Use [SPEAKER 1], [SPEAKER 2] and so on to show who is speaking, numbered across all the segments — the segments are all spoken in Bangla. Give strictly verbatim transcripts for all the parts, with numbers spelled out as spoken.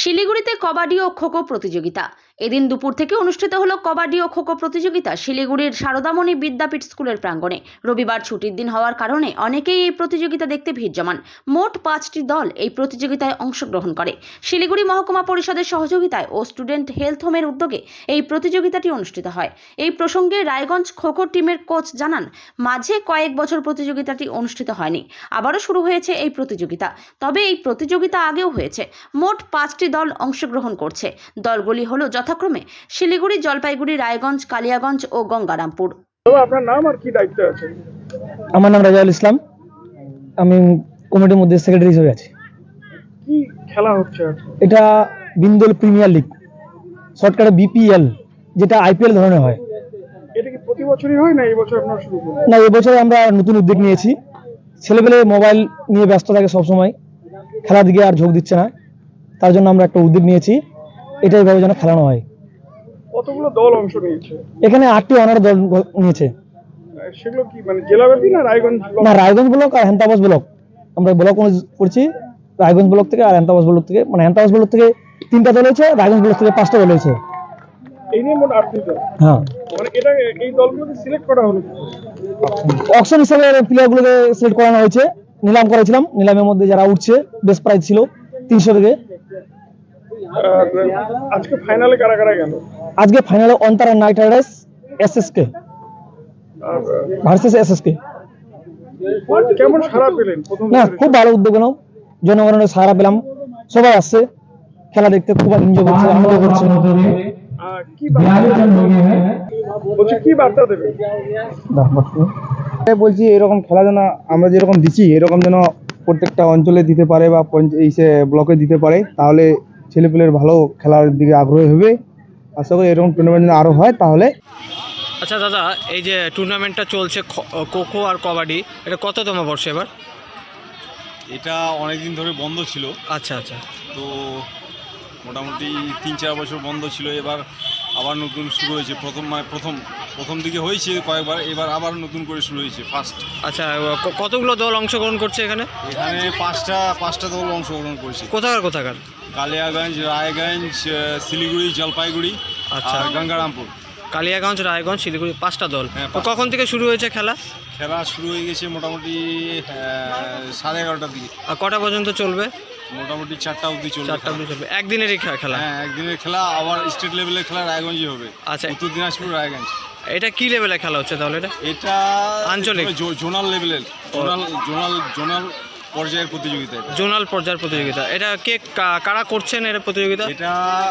[SPEAKER 1] শিলিগুড়িতে কবাডি ও খোখো প্রতিযোগিতা। এদিন দুপুর থেকে অনুষ্ঠিত হলো কবাডি ও খোখো প্রতিযোগিতা শিলিগুড়ির শারদামণি বিদ্যাপীঠ স্কুলের প্রাঙ্গণে। রবিবার ছুটির দিন হওয়ার কারণে অনেকেই এই প্রতিযোগিতা দেখতে ভিড় জমান। মোট পাঁচটি দল এই প্রতিযোগিতায় অংশগ্রহণ করে। শিলিগুড়ি মহকুমা পরিষদের সহযোগিতায় ও স্টুডেন্ট হেলথ হোমের উদ্যোগে এই প্রতিযোগিতাটি অনুষ্ঠিত হয়। এই প্রসঙ্গে রায়গঞ্জ খোখো টিমের কোচ জানান, মাঝে কয়েক বছর প্রতিযোগিতাটি অনুষ্ঠিত হয়নি, আবারও শুরু হয়েছে এই প্রতিযোগিতা। তবে এই প্রতিযোগিতা আগেও হয়েছে। মোট পাঁচটি দল অংশগ্রহণ করছে। দলগুলি হলো যথাক্রমে শিলিগুড়ি, জলপাইগুড়ি, রায়গঞ্জ, কালিয়াগঞ্জ ও গঙ্গারামপুর।
[SPEAKER 2] আপনার নাম আর কি দায়িত্ব আছে?
[SPEAKER 3] আমার নাম রাজাউল ইসলাম, আমি কমিটির মধ্যে সেক্রেটারি হিসেবে আছি।
[SPEAKER 2] কি খেলা হচ্ছে?
[SPEAKER 3] এটা বিন্দুল প্রিমিয়ার লিগ, শর্টকাটে বিপিএল, যেটা আইপিএল ধরনের হয়।
[SPEAKER 2] এটা কি প্রতি বছরই হয় না এই বছর আপনারা শুরু করলেন?
[SPEAKER 3] না, এবছর আমরা নতুন উদ্যোগ নিয়েছি। ছেলেপেলে মোবাইল নিয়ে ব্যস্ত থাকে সবসময়, খেলার দিকে আর ঝোঁক দিচ্ছে না, তার জন্য আমরা একটা উদ্যোগ নিয়েছি, এটা এইভাবে যেন খেলানো হয়।
[SPEAKER 2] কতগুলো দল অংশ নিয়েছে?
[SPEAKER 3] এখানে আটটি অনার দল নিয়েছে।
[SPEAKER 2] সেগুলো কি মানে জেলাব্যাপী না রায়গঞ্জ?
[SPEAKER 3] না, রায়গঞ্জ ব্লক আর হ্যান্তাবাস ব্লক। আমরা ব্লক করছি রায়গঞ্জ ব্লক থেকে আর হ্যান্তাবাস ব্লক থেকে, মানে হ্যান্তাবাস ব্লক থেকে তিনটা দল হয়েছে, রায়গঞ্জ ব্লক থেকে পাঁচটা দল হয়েছে।
[SPEAKER 2] এই নিয়ে মোট আটটি দল।
[SPEAKER 3] হ্যাঁ,
[SPEAKER 2] মানে এটা এই দলগুলোকে সিলেক্ট করা হলো
[SPEAKER 3] অকশন হিসেবে প্লেয়ারগুলোকে সিলেক্ট করানো হয়েছে। নিলাম করেছিলাম, নিলামের মধ্যে যারা উঠছে বেস্ট প্রাইজ ছিল তিনশো থেকে।
[SPEAKER 2] আজকে ফাইনালে কারা কারা গেল?
[SPEAKER 3] আজকে ফাইনালে Antara knight riders SSK versus SSK.
[SPEAKER 2] কেমন সাড়া পেলেন প্রথম?
[SPEAKER 3] না, খুব ভালো উদ্যোগ নাও, জনগণের সাড়া পেলাম, সবাই আসছে খেলা দেখতে, খুব এনজয় করছে, আনন্দ করছে।
[SPEAKER 2] কি বলছি, কি বার্তা দেবে?
[SPEAKER 4] বলছি এরকম খেলা যেন আমরা যেরকম দিচ্ছি এরকম যেন প্রত্যেকটা অঞ্চলে দিতে পারে বা এই ব্লকে দিতে পারে, তাহলে ছেলেপেলের ভালো খেলার দিকে আগ্রহী হবে। আশা করি এরকম টুর্নামেন্ট আরও হয় তাহলে।
[SPEAKER 5] আচ্ছা দাদা, এই যে টুর্নামেন্টটা চলছে খোখো আর কবাডি, এটা কততম বর্ষ এবার?
[SPEAKER 6] এটা অনেক দিন ধরে বন্ধ ছিল।
[SPEAKER 5] আচ্ছা আচ্ছা।
[SPEAKER 6] তো মোটামুটি তিন চার বছর বন্ধ ছিল, এবার আবার নতুন শুরু হয়েছে। প্রথম মানে প্রথম প্রথম দিকে হয়েছে কয়েকবার, এবার আবার নতুন করে শুরু হয়েছে ফার্স্ট।
[SPEAKER 5] আচ্ছা, কতগুলো দল অংশগ্রহণ করছে এখানে?
[SPEAKER 6] এখানে পাঁচটা পাঁচটা দল অংশগ্রহণ করেছে।
[SPEAKER 5] কোথাকার কোথাকার?
[SPEAKER 6] কালিয়াগঞ্জ, রায়গঞ্জ, শিলিগুড়ি, জলপাইগুড়ি,
[SPEAKER 5] আচ্ছা,
[SPEAKER 6] আর গঙ্গারামপুর।
[SPEAKER 5] কালিয়াগঞ্জ, রায়গঞ্জ, শিলিগুড়ি, পাঁচটা দল।
[SPEAKER 6] হ্যাঁ,
[SPEAKER 5] তো কখন থেকে শুরু হয়েছে খেলা?
[SPEAKER 6] খেলা শুরু হয়ে গেছে মোটামুটি সাড়ে এগারোটার দিকে।
[SPEAKER 5] আর কটা পর্যন্ত চলবে?
[SPEAKER 6] মোটামুটি চারটা অবধি চলবে।
[SPEAKER 5] চারটা অবধি চলবে। একদিনেরই খেলা?
[SPEAKER 6] হ্যাঁ, একদিনের খেলা। আবার স্টেট লেভেলের খেলা রায়গঞ্জে হবে।
[SPEAKER 5] আচ্ছা,
[SPEAKER 6] উত্তর দিনাজপুর, রায়গঞ্জ।
[SPEAKER 5] এটা কি লেভেলে খেলা হচ্ছে তাহলে? এটা
[SPEAKER 6] এটা
[SPEAKER 5] আঞ্চলিক
[SPEAKER 6] জোনাল লেভেলের, জোনাল জোনাল জোনাল পর্যায়ের প্রতিযোগিতা।
[SPEAKER 5] জোনাল পর্যায়ের প্রতিযোগিতা। এটা কে কারা করছেন এর প্রতিযোগিতা?
[SPEAKER 6] এটা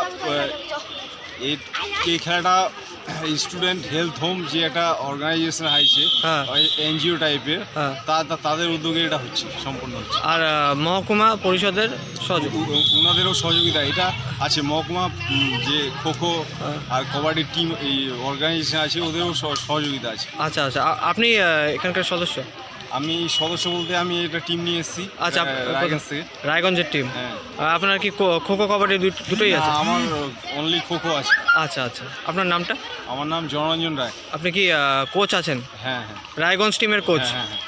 [SPEAKER 6] এই খেলাটা স্টুডেন্ট হেলথ হোম যে একটা অর্গানাইজেশন আছে, এনজিও টাইপের, তাদের উদ্যোগে এটা হচ্ছে, সম্পূর্ণ হচ্ছে।
[SPEAKER 5] আর মহকুমা পরিষদের সহযোগিতা,
[SPEAKER 6] ওনাদেরও সহযোগিতা এটা আছে। মহকুমা যে খোখো আর কবাডির টিম এই অর্গানাইজেশন আছে, ওদেরও সহযোগিতা আছে।
[SPEAKER 5] আচ্ছা আচ্ছা। আপনি এখানকার সদস্য?
[SPEAKER 6] আমি সদস্য বলতে আমি এটা টিম নিয়ে এসেছি।
[SPEAKER 5] আচ্ছা,
[SPEAKER 6] রায়গঞ্জ থেকে।
[SPEAKER 5] রায়গঞ্জের টিম।
[SPEAKER 6] হ্যাঁ।
[SPEAKER 5] আপনার কি খোখো কবাডি দুটোই আছে?
[SPEAKER 6] আমার অনলি খোখো আছে।
[SPEAKER 5] আচ্ছা আচ্ছা। আপনার নামটা?
[SPEAKER 6] আমার নাম জনরঞ্জন রায়।
[SPEAKER 5] আপনি কি কোচ আছেন?
[SPEAKER 6] হ্যাঁ হ্যাঁ,
[SPEAKER 5] রায়গঞ্জ টিমের কোচ।
[SPEAKER 6] হ্যাঁ হ্যাঁ।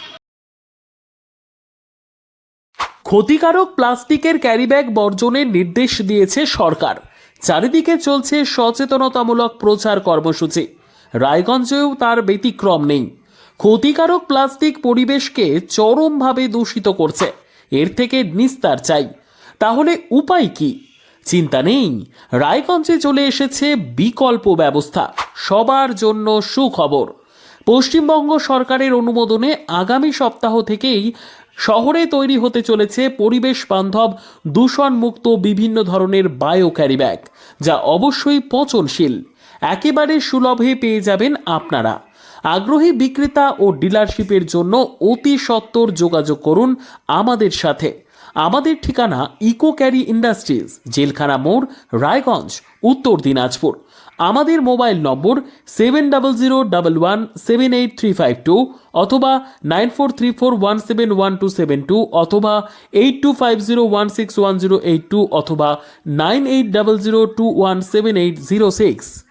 [SPEAKER 7] ক্ষতিকারক প্লাস্টিকের ক্যারিব্যাগ বর্জনের নির্দেশ দিয়েছে সরকার। চারিদিকে চলছে সচেতনতামূলক প্রচার কর্মসূচি। রায়গঞ্জেও তার ব্যতিক্রম নেই। ক্ষতিকারক প্লাস্টিক পরিবেশকে চরমভাবে দূষিত করছে, এর থেকে নিস্তার চাই। তাহলে উপায় কি? চিন্তা নেই, রায়গঞ্জে চলে এসেছে বিকল্প ব্যবস্থা। সবার জন্য সুখবর। পশ্চিমবঙ্গ সরকারের অনুমোদনে আগামী সপ্তাহ থেকেই শহরে তৈরি হতে চলেছে পরিবেশ বান্ধব দূষণমুক্ত বিভিন্ন ধরনের বায়ো ক্যারিব্যাগ, যা অবশ্যই পচনশীল। একেবারে সুলভে পেয়ে যাবেন আপনারা। আগ্রহী বিক্রেতা ও ডিলারশিপের জন্য অতি সত্বর যোগাযোগ করুন আমাদের সাথে। আমাদের ঠিকানা ইকো ক্যারি ইন্ডাস্ট্রিজ, জেলখানা মোড়, রায়গঞ্জ, উত্তর দিনাজপুর। আমাদের mobile number seven double zero double one seven eight three five two অথবা nine four three four one seven one two seven two অথবা eight two five zero one six one zero eight two অথবা nine eight double zero two one seven eight zero six.